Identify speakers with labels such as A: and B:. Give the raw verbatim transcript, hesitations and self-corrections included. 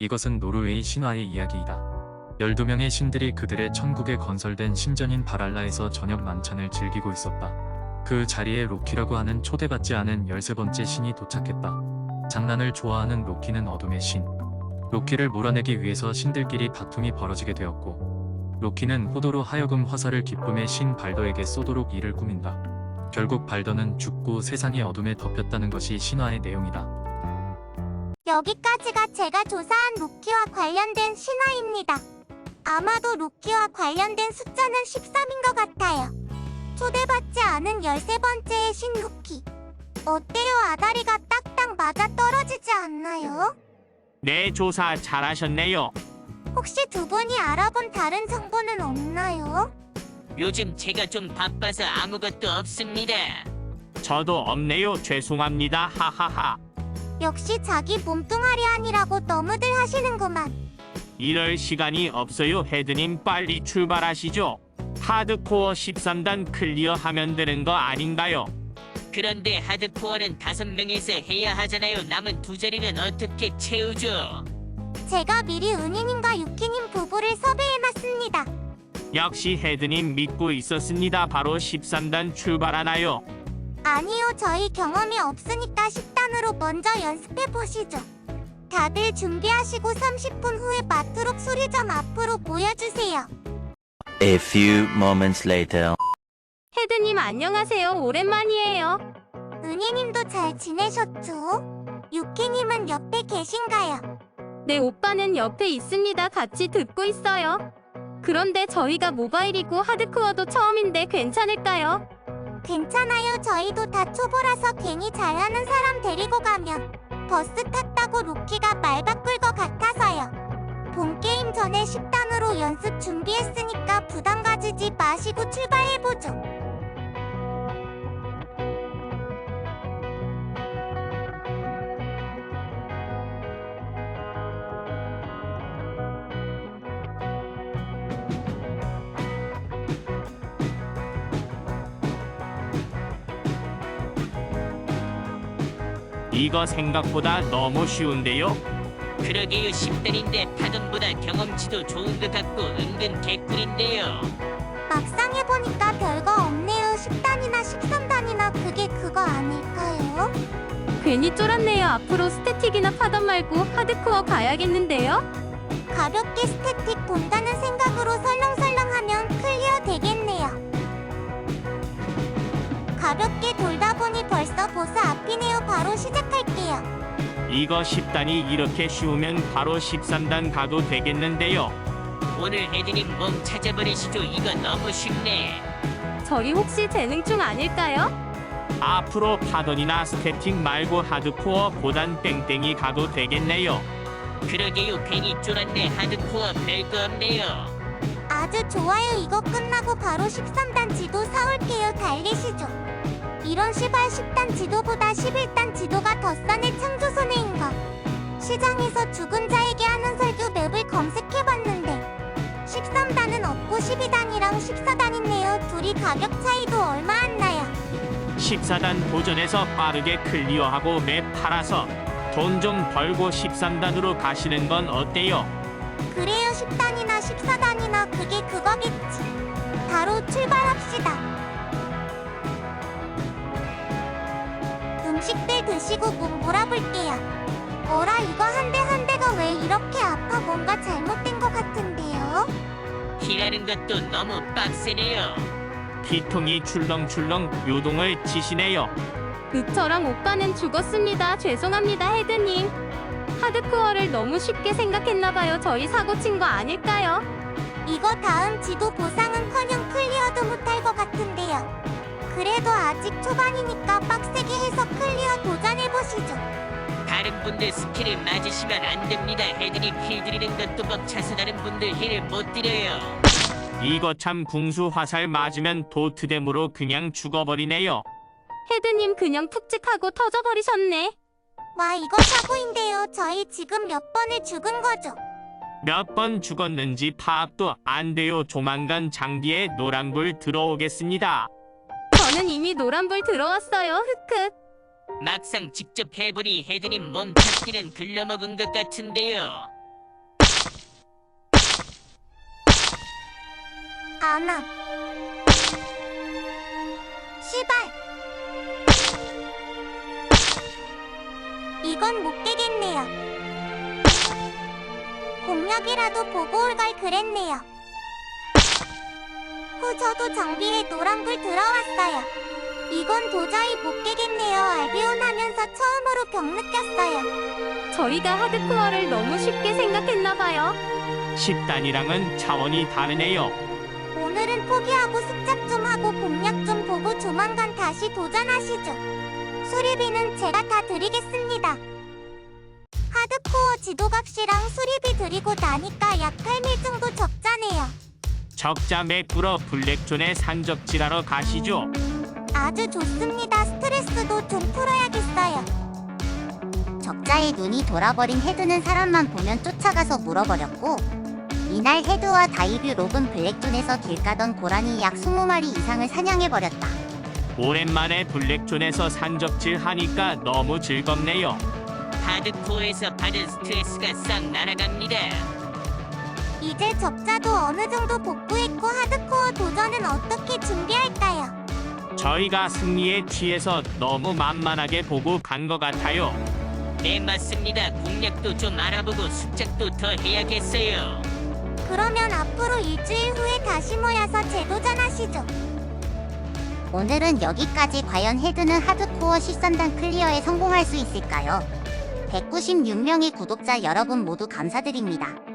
A: 이것은 노르웨이 신화의 이야기이다. 열두 명의 신들이 그들의 천국에 건설된 신전인 바랄라에서 저녁 만찬을 즐기고 있었다. 그 자리에 로키라고 하는 초대받지 않은 열세 번째 신이 도착했다. 장난을 좋아하는 로키는 어둠의 신. 로키를 몰아내기 위해서 신들끼리 다툼이 벌어지게 되었고, 로키는 호도로 하여금 화살을 기쁨의 신 발더에게 쏘도록 이를 꾸민다. 결국 발더는 죽고 세상이 어둠에 덮였다는 것이 신화의 내용이다.
B: 여기까지가 제가 조사한 로키와 관련된 신화입니다. 아마도 로키와 관련된 숫자는 십삼인 것 같아요. 초대받지 않은 열세 번째의 신 로키. 어때요? 아다리가 딱딱 맞아 떨어지지 않나요?
C: 네, 조사 잘하셨네요.
B: 혹시 두 분이 알아본 다른 정보는 없나요?
D: 요즘 제가 좀 바빠서 아무것도 없습니다.
C: 저도 없네요. 죄송합니다. 하하하.
B: 역시 자기 몸뚱아리 아니라고 너무들 하시는구만.
C: 이럴 시간이 없어요. 헤드님 빨리 출발하시죠. 하드코어 십삼 단 클리어하면 되는 거 아닌가요?
D: 그런데 하드코어는 다섯 명에서 해야 하잖아요. 남은 두 자리는 어떻게 채우죠?
B: 제가 미리 은희님과 유키님 부부를 섭외해놨습니다.
C: 역시 헤드님 믿고 있었습니다. 바로 십삼 단 출발하나요?
B: 아니요, 저희 경험이 없으니까 십 단으로 먼저 연습해보시죠. 다들 준비하시고 삼십 분 후에 마트록 수리점 앞으로 모여주세요.
E: A few moments later.
F: 헤드님 안녕하세요. 오랜만이에요.
B: 은희님도 잘 지내셨죠? 유키님은 옆에 계신가요?
F: 네, 오빠는 옆에 있습니다. 같이 듣고 있어요. 그런데 저희가 모바일이고 하드코어도 처음인데 괜찮을까요?
B: 괜찮아요. 저희도 다 초보라서 괜히 잘하는 사람 데리고 가면 버스 탔다고 로키가 말 바꿀 것 같아서요. 본 게임 전에 십 단으로 연습 준비했으니까 부담 가지지 마시고 출발해보죠.
C: 이거 생각보다 너무 쉬운데요?
D: 그러게요. 십 단인데 파동보다 경험치도 좋은 것 같고 은근 개꿀인데요.
B: 막상 해보니까 별거 없네요. 십 단이나 십삼 단이나 그게 그거 아닐까요?
F: 괜히 쫄았네요. 앞으로 스태틱이나 파던 말고 하드코어 가야겠는데요?
B: 가볍게 스태틱 본다는 생각으로 설렁설렁하면 클리어 되겠네요. 가볍게 돌다 보니 벌써 보스 앞이네요. 바로 시작할게요.
C: 이거 십 단이 이렇게 쉬우면 바로 십삼 단 가도 되겠는데요?
D: 오늘 헤드님 몸 찾아버리시죠. 이거 너무 쉽네.
F: 저희 혹시 재능충 아닐까요?
C: 앞으로 파던이나 스태틱 말고 하드코어 보단 땡땡이 가도 되겠네요.
D: 그러게요. 괜히 쫄았네. 하드코어 별거 없네요.
B: 아주 좋아요. 이거 끝나고 바로 십삼 단 지도 사올게요. 달리시죠. 이런 시발 십 단 지도보다 십일 단 지도가 더 싸네. 창조 손해인 거. 시장에서 죽은 자에게 하는 설교 맵을 검색해봤는데 십삼 단은 없고 십이 단이랑 십사 단 있네요. 둘이 가격 차이도 얼마 안 나요.
C: 십사 단 도전해서 빠르게 클리어하고 맵 팔아서 돈 좀 벌고 십삼 단으로 가시는 건 어때요?
B: 그래요. 십 단이나 십사 단이나 그게 그거겠지. 바로 출발합시다. 음식들 드시고 몸 몰아볼게요. 어라, 이거 한 대 한 대가 왜 이렇게 아파? 뭔가 잘못된 것 같은데요?
D: 힐하는 것도 너무 빡세네요.
C: 피통이 출렁출렁 요동을 치시네요.
F: 윽처럼 오빠는 죽었습니다. 죄송합니다, 헤드님. 하드코어를 너무 쉽게 생각했나봐요. 저희 사고 친 거 아닐까요?
B: 이거 다음 지도 보상은커녕 클리어도 못할 것 같은데요. 그래도 아직 초반이니까 빡세게 해서 클리어 도전해보시죠.
D: 다른 분들 스킬을 맞으시면 안 됩니다. 헤드님 힐 드리는 것도 벅차서 다른 분들 힐을 못 드려요.
C: 이거 참 궁수 화살 맞으면 도트댐으로 그냥 죽어버리네요.
F: 헤드님 그냥 푹찍하고 터져버리셨네.
B: 와, 이거 사고인데요. 저희 지금 몇 번을 죽은 거죠?
C: 몇 번 죽었는지 파악도 안 돼요. 조만간 장비에 노란불 들어오겠습니다.
F: 저는 이미 노란불 들어왔어요. 흑흑.
D: 막상 직접 해보니 헤드님 몸 찾기는 글러먹은 것 같은데요.
B: 안함. 시발. 이건 못 깨겠네요. 공략이라도 보고 올 걸 그랬네요. 후 저도 장비에 노란불 들어왔어요. 이건 도저히 못 깨겠네요. 알비온 하면서 처음으로 병 느꼈어요.
F: 저희가 하드코어를 너무 쉽게 생각했나봐요.
C: 십 단이랑은 차원이 다르네요.
B: 오늘은 포기하고 습작 좀 하고 공략 좀 보고 조만간 다시 도전하시죠. 수리비는 제가 다 드리겠습니다. 하드코어 지도값이랑 수리비 드리고 나니까 약 팔 밀 정도 적자네요.
C: 적자 맥불어 블랙존에 산적질하러 가시죠.
B: 아주 좋습니다. 스트레스도 좀 풀어야겠어요. 적자에 눈이 돌아버린 헤드는 사람만 보면 쫓아가서 물어버렸고, 이날 헤드와 다이뷰 록은 블랙존에서 길 가던 고라니 약 이십 마리 이상을 사냥해버렸다.
C: 오랜만에 블랙존에서 산적질 하니까 너무 즐겁네요.
D: 하드코어에서 받은 스트레스가 싹 날아갑니다.
B: 이제 적자도 어느 정도 복구했고 하드코어 도전은 어떻게 준비할까요?
C: 저희가 승리에 취해서 너무 만만하게 보고 간 것 같아요.
D: 네, 맞습니다. 공략도 좀 알아보고 습작도 더 해야겠어요.
B: 그러면 앞으로 일주일 후에 다시 모여서 재도전하시죠. 오늘은 여기까지. 과연 헤드는 하드코어 십삼 단 클리어에 성공할 수 있을까요? 백구십육 명의 구독자 여러분 모두 감사드립니다.